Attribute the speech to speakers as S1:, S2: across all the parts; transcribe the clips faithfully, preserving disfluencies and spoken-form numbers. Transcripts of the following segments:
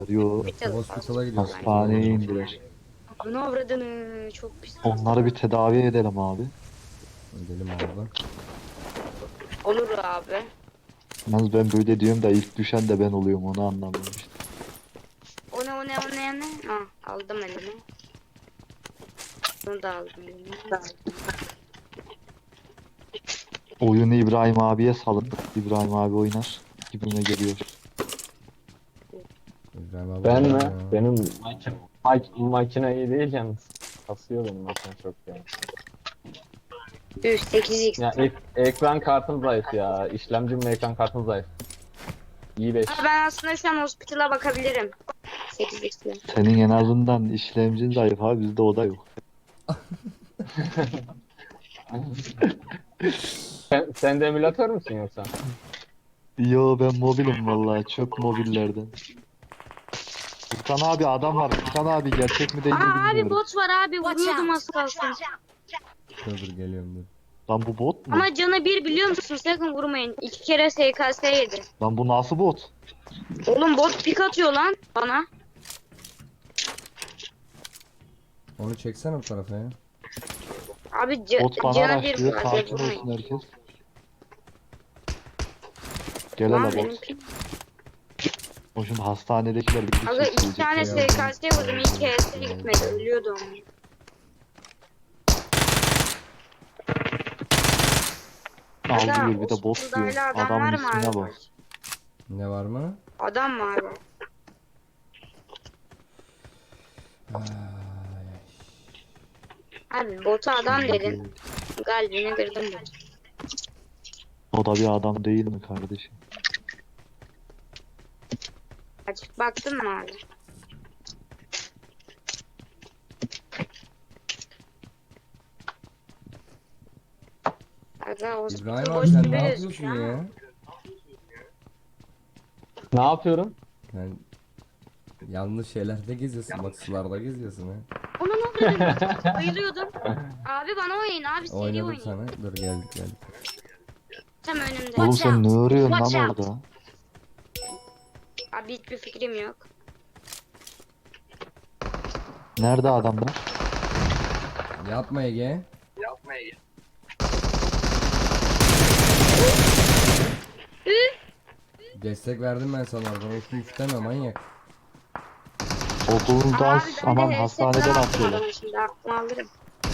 S1: Yo,
S2: Hospital.
S3: Hospital'a gidiyoruz.
S1: hastaneye indiler.
S2: Bunu avradını çok pis.
S1: Onları bir tedavi edelim abi.
S3: Gidelim abi.
S2: Olur abi.
S1: Yalnız ben böyle diyorum da ilk düşen de ben oluyorum, onu anlamıyorum işte.
S2: O ne o ne o ne o ne? Ha, aldım elime. Bunu da aldım elime.
S1: Oyunu İbrahim abiye salın. İbrahim abi oynar. Gibime geliyor.
S3: İbrahim abi.
S4: Ben mi?
S3: ya.
S4: Benim makine, mak makine iyi değil yalnız. Kasıyor benim makine çok ya.
S2: Üf sekiz x.
S4: Ya ek- ekran kartım zayıf ya. İşlemcim ve ekran kartım zayıf. İyi beş.
S2: Ama ben aslında şu an hospital'a bakabilirim. sekiz x'le.
S1: Senin en azından işlemcin zayıf abi, bizde o da yok.
S4: Sen, sen de emülatör müsün yoksa?
S1: Yo, ben mobilim vallahi, çok mobillerden. Furkan abi adam var. Furkan abi gerçek mi değil mi
S2: Aa abi
S1: bilmiyorum.
S2: bot var abi vuruyordum az kalsın.
S3: Dur dur geliyorum dur.
S1: Lan bu bot mu?
S2: Ama canı bir biliyor musun? Sakın vurmayın. İki kere S K S yedi.
S1: Lan bu nasıl bot?
S2: Oğlum bot pik atıyor lan bana.
S3: Onu çeksene bu tarafa ya.
S2: Abi ca
S1: Bot bana
S2: canı bir
S1: araştırıyor.
S2: var.
S1: Sakin
S2: Vurmayın.
S1: olsun herkes. Gel
S2: Lan
S1: hele
S2: benim
S1: bot.
S2: pik.
S1: O şimdi hastanedekiler bizi
S2: Aga iki
S1: çekecek.
S2: tane S K S vurdum. İlk kere gitmedi. Ölüyordum.
S1: Aldı bir de bot
S2: hospital'da
S1: diyor.
S2: hala adam
S1: Adamın
S2: var mı
S1: ismine
S2: abi?
S1: bak.
S3: Ne var mı?
S2: Adam mı abi?
S3: Ay,
S2: Abi bota adam dedin. Kalbini kırdım ben.
S1: O da bir adam değil mi kardeşim?
S2: Açık baktın mı abi? Aga
S3: İbrahim
S2: hospital
S3: abi
S2: boş
S3: sen
S2: gibi
S3: ne
S2: gözüküyor
S3: yapıyorsun
S2: ama.
S3: ya?
S4: Ne yapıyorum?
S3: Yani yanlış şeylerde geziyorsun. Bak sularda geziyorsun ha.
S2: Onu ne oluyor? Bayılıyordum. Abi bana oynayın abi seri
S3: Oynadım
S2: oynayın.
S3: sana. Dur geldik geldik.
S2: Tam önümde.
S1: Oğlum sen ne arıyorsun
S2: Watch
S1: lan
S2: out.
S1: orada?
S2: Abi hiçbir fikrim yok.
S1: Nerede adamlar?
S3: Yapma Ege. Destek verdim ben sana oradan. Uçtu uç deme manyak.
S1: Okuldan
S2: Abi ben
S1: aman
S2: de
S1: hastaneden
S2: headset
S1: atıyorlar.
S2: aldım şimdi aklıma alırım.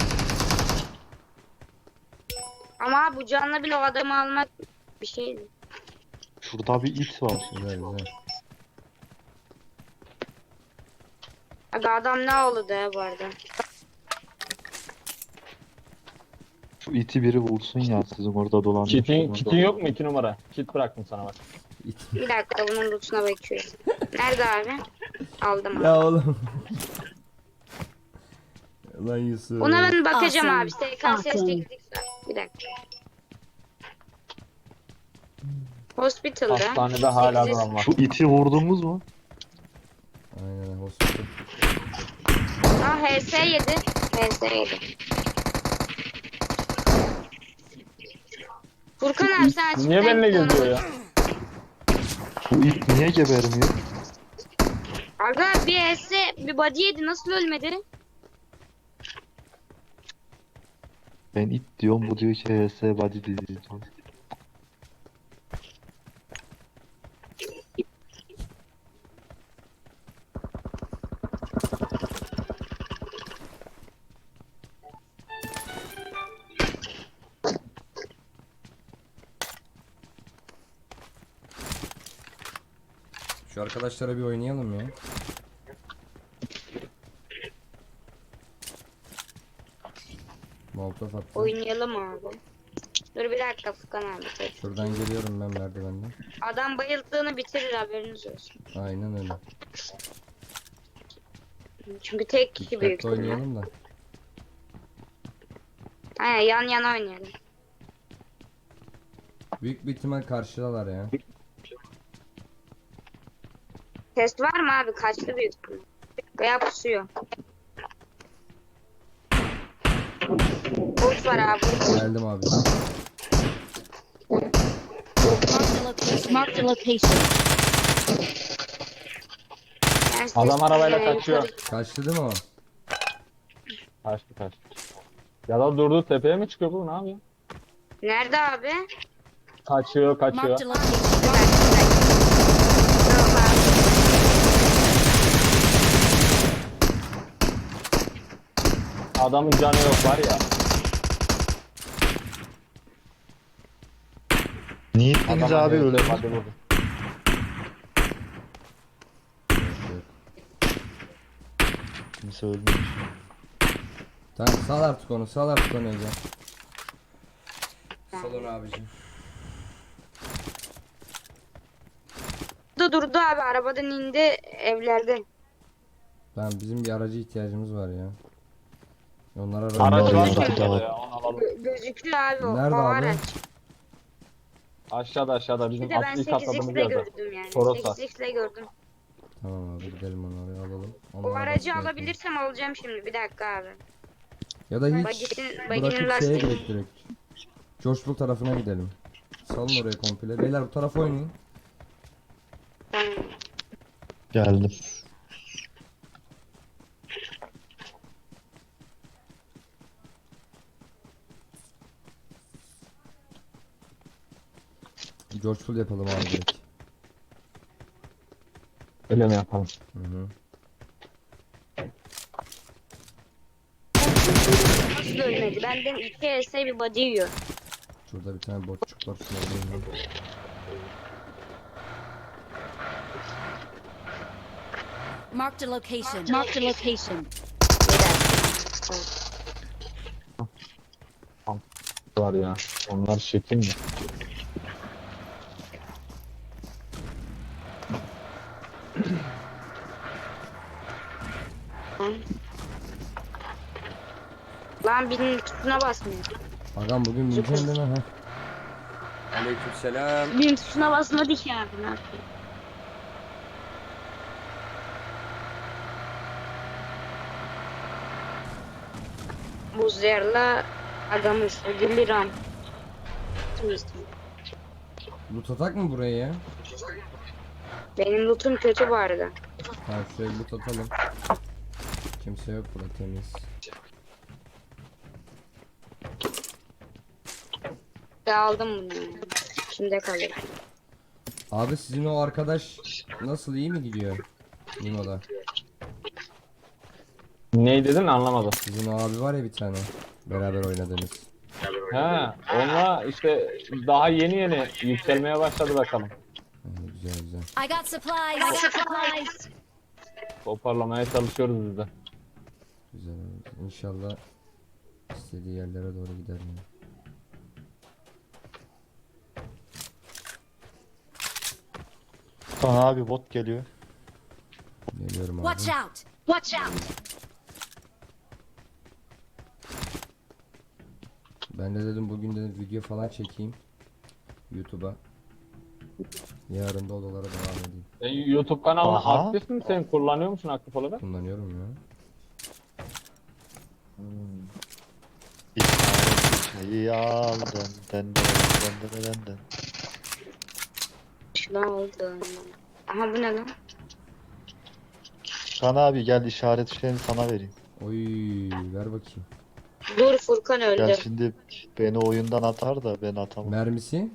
S2: Ama bu canla bile o adamı almak bir şeydi.
S1: Şurada bir it var.
S3: Güzel güzel.
S2: Aga adam ne oldu ya bu arada?
S1: Şu iti biri vursun ya, sizin orada dolanıyor.
S4: Kitin, kitin yok mu iki numara? Kit bıraktım sana bak.
S2: Bir dakika bunun lootuna bakıyorum. Nerede abi? Aldım abi.
S3: Ya oğlum. Lan Yusuf.
S2: Ona ben bakacağım
S5: Awesome.
S2: abi. S K S
S5: Awesome.
S2: sekiz x var. Bir dakika. Hospital'da.
S4: Hastanede hala
S2: sekiz x
S4: adam var.
S1: Şu iti vurdunuz mu?
S3: Aynen hospital.
S2: Aa H S yedi. H S yedi. Furkan abi sen açıkta
S4: Niye benimle
S2: gittin
S4: geziyor
S2: ona.
S4: ya?
S1: Bu it niye gebermiyor?
S2: Aga bir H S bir body yedi nasıl ölmedi?
S1: Ben it diyorum, bu diyor ki H S body diyor.
S3: Şu arkadaşlara bir oynayalım ya. Molotov attı.
S2: Oynayalım abi. Dur bir dakika Furkan abi.
S3: Şuradan geliyorum ben merdivenden.
S2: Adam bayıldığını bitirir haberiniz olsun.
S3: Aynen öyle.
S2: Çünkü tek kişi büyük.
S3: Dikkatli
S2: ihtimal.
S3: oynayalım da.
S2: Aynen yan yana oynayalım.
S3: Büyük bir ihtimal karşıdalar ya.
S2: Test var mı abi? Kaçtı büyük ihtimal. Veya pusuyor. Bot var abi.
S3: Geldim abi.
S5: Marked a location. Marked a location.
S2: size
S4: Adam arabayla
S2: e,
S4: kaçıyor.
S2: yukarı-
S3: Kaçtı değil mi o?
S4: Kaçtı kaçtı. Ya da durdu, tepeye mi çıkıyor bu, ne yapıyor?
S2: Nerede abi?
S4: Kaçıyor kaçıyor.
S5: Marked a location.
S2: Bir dakika, bir dakika. Yok abi.
S4: Adamın canı yok var ya.
S1: Niye gittiniz
S4: Adama
S1: abi
S4: evet,
S1: öyle?
S4: hadi vurdu.
S1: Kimse ölmemiş.
S3: Tamam sal artık onu, sal artık onu Ece. Sal onu abicim.
S2: Durdu durdu abi, arabadan indi evlerde.
S3: Tamam bizim bir aracı ihtiyacımız var ya. Onlar aracı.
S4: Aracı var
S1: Aracı
S4: da
S1: var.
S4: ya, onu alalım.
S2: Gö- gözüküyor abi o,
S3: Nerede
S2: o
S3: abi?
S2: araç.
S4: Aşağıda aşağıda
S2: Bir
S4: bizim
S2: de ben
S4: atlı ilk
S2: sekiz
S4: atladığımız
S2: x'le
S4: yerde.
S2: gördüm yani.
S4: Toros var.
S2: sekiz x'le gördüm.
S3: Tamam abi gidelim onu oraya alalım.
S2: O
S3: Onlara
S2: aracı
S3: basmayalım.
S2: alabilirsem alacağım şimdi, bir dakika abi.
S3: Ya da hiç
S2: Bagisin, baginin
S3: bırakıp şeye
S2: lastiği.
S3: gidelim direkt. Coşkul tarafına gidelim. Salın oraya komple. Beyler bu tarafa oynayın.
S2: Tamam.
S1: Geldim.
S3: Coşkul yapalım abi direkt.
S4: Öyle mi yapalım?
S3: Hı hı.
S2: Nasıl ölmedi? Benden iki ese bir body yiyor.
S3: Şurada bir tane botçuk var. Şuna vurayım ben.
S5: Marked a location. Marked a location.
S4: Var ya. Onlar şekil mi?
S2: Lan birinin tuşuna basmıyor.
S3: Agam bugün bineceksin değil mi? Heh. Aleykümselam.
S2: Birinin tuşuna basmadı ki abi, ne yapayım? Buzlarla adamız ödüllü ram.
S3: Loot atak mı buraya ya?
S2: Benim lootum kötü bu arada.
S3: Tamam şuraya loot atalım. Kimse yok burada, temiz.
S2: Ben aldım bunu yani. Şimdi kalır.
S3: Abi sizin o arkadaş nasıl, iyi mi gidiyor? Limo'da.
S4: Ne dedin anlamadım.
S3: Sizin o abi var ya bir tane. Beraber oynadınız.
S4: He, onunla işte daha yeni yeni yükselmeye başladı bakalım.
S3: Ha, güzel güzel.
S5: I got supplies. I got supplies.
S4: Toparlamaya çalışıyoruz biz de.
S3: Güzel abi. İnşallah istediği yerlere doğru gider yani.
S1: Kaan abi bot geliyor.
S3: Geliyorum abi.
S5: Watch out. Watch out.
S3: Ben de dedim bugün de video falan çekeyim. YouTube'a. Yarın da odalara devam edeyim.
S4: E, YouTube kanalına
S1: Aha.
S4: aktif mi, sen kullanıyor musun aktif olarak?
S3: Kullanıyorum ya.
S1: İşaret şeyi aldım. Den den den den den den.
S2: Şunu aldım. Aha bu ne lan?
S1: Kaan abi gel, işaret şeyini sana vereyim.
S3: Oy ver bakayım.
S2: Dur, Furkan öldü.
S1: Gel şimdi beni oyundan atar da ben atamam.
S3: Mermisi?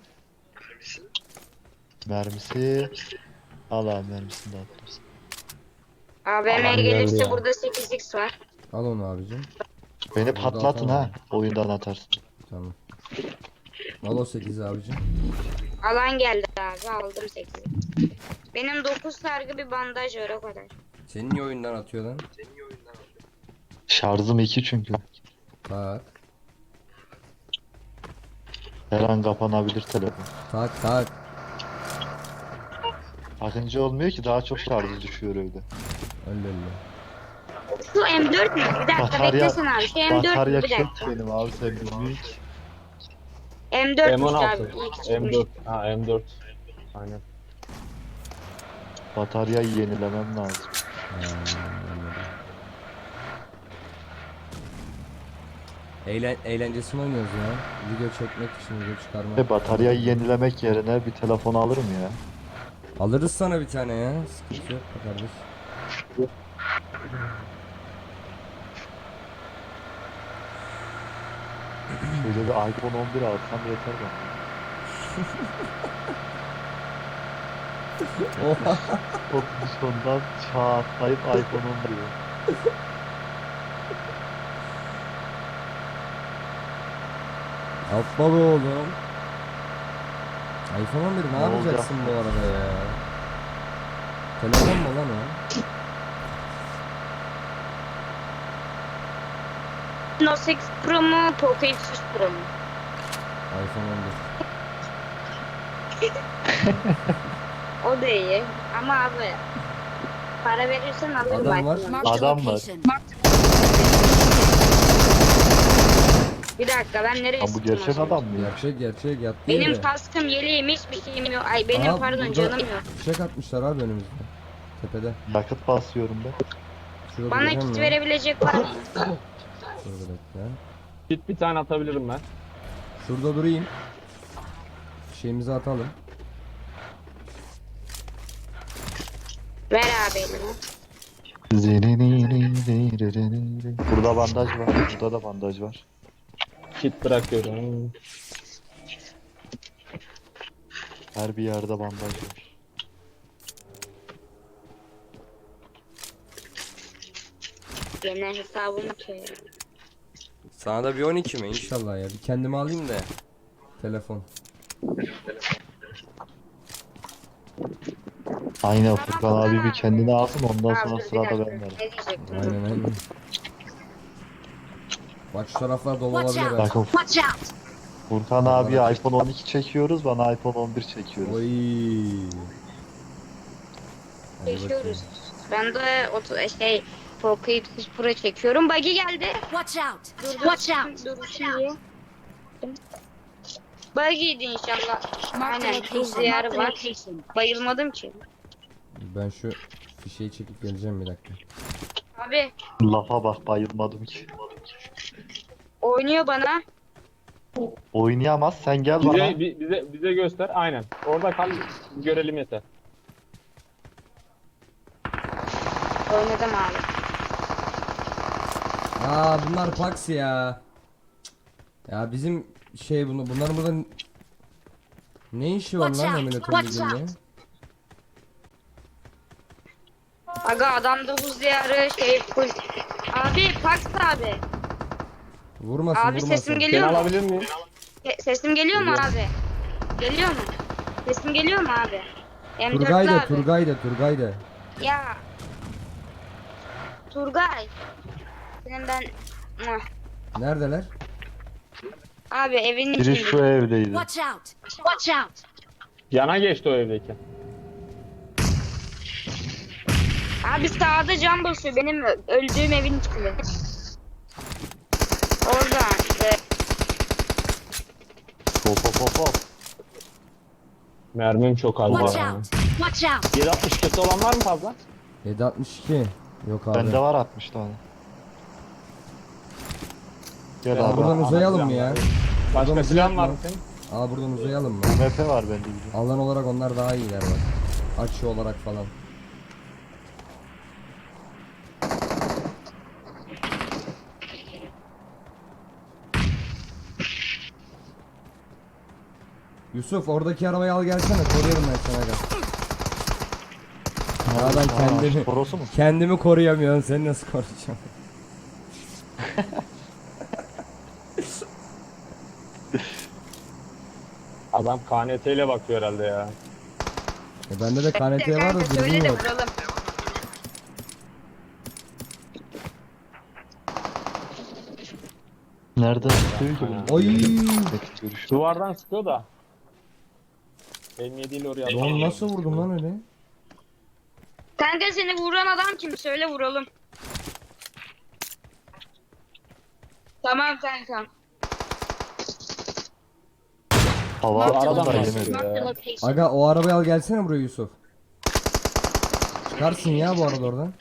S1: Mermisi. Al abi, mermisini de attım.
S2: A V M
S4: Adam geldi
S2: gelirse
S4: ya.
S2: burada sekiz x var.
S3: Al onu abicim.
S1: Beni
S3: Burada
S1: patlatın
S3: atamam.
S1: ha. Oyundan atarsın.
S3: Tamam. Al o sekizi abicim.
S2: Alan geldi abi, aldım sekizi. Benim dokuz sargı bir bandaj var, o kadar.
S3: Senin niye oyundan atıyor lan?
S1: Şarjım iki çünkü.
S3: Tak.
S1: Her an kapanabilir telefon.
S3: Tak tak.
S1: Akıncı olmuyor ki, daha çok şarjı düşüyor öyle.
S3: Öyle öyle.
S2: Şu M dört mü? Bir dakika
S1: Batarya-
S2: beklesin abi. Şu M dört mü?
S1: Batarya
S2: Bir
S1: çok
S2: dakika.
S1: benim abi, sen bilmiyorsun ki.
S2: M dört
S4: M on
S2: abi.
S4: altı.
S2: İyi ki
S4: M
S2: çıkmış.
S4: dört. Ha M dört. Aynen.
S1: Bataryayı yenilemem lazım.
S3: Ha, anladım. Eğlen eğlencesini oynuyoruz ya. Video çekmek için, video çıkarmak.
S1: Ve bataryayı yenilemek yerine bir telefon alırım ya.
S3: Alırız sana bir tane ya. Sıkıntı yok be kardeş.
S1: Şöyle bir iPhone on bir alsam yeter bana.
S3: Oha.
S1: O sondan çağ atlayıp iPhone on bir.
S3: Yapma be oğlum. iPhone on bir ne,
S1: Ne
S3: yapacaksın bu arada ya? Telefon mu lan o?
S2: Note sekiz Pro mu? Poco X üç Pro mu?
S3: iPhone on bir.
S2: O da iyi. Ama abi para verirsen alırım.
S3: Adam var.
S2: iPhone'u.
S5: Marked a
S1: Adam var.
S5: location.
S2: Bir dakika ben nereye
S1: Lan bu
S2: sıktım
S1: gerçek
S2: o zaman?
S1: adam mı ya?
S3: Gerçek gerçek yat
S2: Benim
S3: değil de.
S2: kaskım, yeleğim, hiçbir şeyim yok. Ay benim
S3: Aa,
S2: pardon
S3: burada
S2: canım yok.
S3: Fişek atmışlar abi önümüzde. Tepede.
S1: Yakıt basıyorum ben.
S3: Şurada
S2: Bana
S3: duracağım
S2: kit
S3: ya.
S2: verebilecek var mı?
S3: Şurada bekle.
S4: Git bir tane atabilirim ben.
S3: Şurada durayım. Fişeğimizi atalım.
S2: Ver abi elini.
S1: Burada bandaj var. Burada da bandaj var.
S4: Kit bırakıyorum.
S1: Her bir yerde bandaj var.
S2: Yine hesabımı söyle.
S3: Sana da bir on iki mi? İnşallah ya. Bir kendime alayım da. Telefon.
S1: Aynen Furkan abi bir kendine alsın ondan
S2: Abi,
S1: sonra
S2: bir
S1: sırada
S2: dakika.
S1: ben varım.
S2: Ne diyecektim?
S3: Aynen aynen. Bak şu taraflar dolu
S5: Watch
S3: olabilir
S5: out.
S3: ha.
S1: Bakın
S5: Watch out!
S1: Furkan abi iPhone on iki çekiyoruz, bana iPhone on bir çekiyoruz.
S3: Oy. Hadi bakayım.
S2: Çekiyoruz. Ben de oto şey Poco X üç Pro çekiyorum. Buggy geldi.
S5: Watch out!
S2: Dur, dur,
S5: Watch out!
S2: Dur şimdi. Buggy'ydi inşallah.
S5: Marked a
S2: Aynen.
S5: location.
S2: Tuz diyarı
S5: Marked a
S2: var.
S5: location.
S2: Bayılmadım ki.
S3: Ben şu fişeği çekip geleceğim bir dakika.
S2: Abi
S1: Lafa bak bayılmadım ki.
S2: oynuyor bana.
S1: Oynayamaz sen gel bana.
S4: Bize, bi- bize, bize göster. Aynen. Orada kal, görelim yeter.
S2: Oynadım abi.
S3: Aa bunlar Pax ya. Cık. Ya bizim şey bunu bunların burada ne işi var
S5: Watch
S3: lan
S5: out,
S3: emülatör
S5: watch
S3: liginde?
S5: out.
S2: Aga adamda buz diyarı şey full. Abi Pax abi.
S3: Vurmasın
S2: Abi
S3: vurmasın.
S2: sesim
S4: Seni
S2: geliyor mu?
S4: alabilir miyim?
S2: Se- Sesim geliyor mu
S4: Geliyor.
S2: abi? Geliyor mu? Sesim geliyor mu abi? M dörtlü
S3: Turgay da
S2: abi.
S3: Turgay da Turgay da.
S2: Ya. Turgay. Senin ben... Muah.
S3: Neredeler?
S2: Abi evin
S1: Biri
S2: içinde.
S1: şu evdeydi.
S5: Watch out! Watch out!
S4: Yana geçti o evdeki.
S2: Abi sağda cam basıyor. Benim ö- öldüğüm evin içinde. Orada. e,
S1: Hop hop hop hop.
S4: Mermim çok az.
S5: Watch
S4: ya.
S5: out! Watch out!
S4: yedi altmış kötü olan var mı fazla?
S3: yedi altmış iki. Yok abi.
S1: Bende var altmış tane. Gel
S4: Ya
S1: abi.
S3: Buradan
S4: Ana
S3: uzayalım mı
S4: plan
S3: ya?
S4: var. Başka
S3: Buradan
S4: plan var
S3: uzayalım
S4: mı senin?
S3: Aa buradan uzayalım mı?
S1: M F var bende bir de.
S3: Alan olarak onlar daha iyiler bak. Açı olarak falan. Yusuf oradaki arabayı al gelsene, koruyorum ben sana gel. Ya ben
S1: Aa,
S3: kendimi
S1: Toros mu?
S3: kendimi koruyamıyorum, seni nasıl koruyacağım?
S4: Adam K N T ile bakıyor herhalde ya.
S3: E bende de K N T var da
S2: Kanka
S3: dürbün
S2: söyle de
S3: yok.
S2: vuralım.
S1: Nereden çıkıyor ki bu?
S3: Oy!
S1: Görüş.
S4: Duvardan sıkıyor da. M yedi ile oraya
S3: Lan nasıl vurdum lan öyle?
S2: Kanka seni vuran adam kim? Söyle vuralım. Tamam kanka.
S1: Hava
S4: Bu aradan
S1: atmadan
S4: bahsediyor
S1: yemedi.
S5: Marked a
S4: ya.
S5: location.
S3: Aga o arabayı al gelsene buraya Yusuf. Çıkarsın ya bu arada oradan.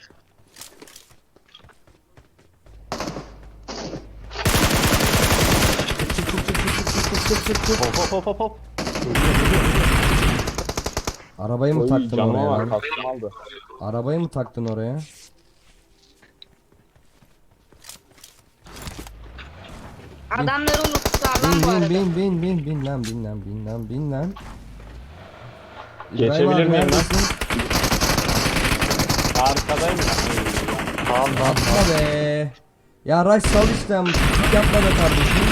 S3: Çık çık çık çık çık çık çık çık çık.
S1: Hop hop hop hop hop.
S3: Arabayı mı
S4: Oy,
S3: taktın
S4: canıma
S3: oraya
S4: var,
S3: lan?
S4: kaskım aldı.
S3: Arabayı mı taktın oraya?
S2: Adamların lootu sağlam
S3: Bin
S2: bu
S3: bin
S2: arada.
S3: bin bin bin bin lan bin lan bin lan bin lan.
S4: Geçebilir
S3: İbrahim abi
S4: miyim lan?
S3: neredesin?
S4: Arkadayım ya.
S1: Tamam tamam.
S3: Atma be. Ya Raş sal işte ama. Yapma be kardeşim.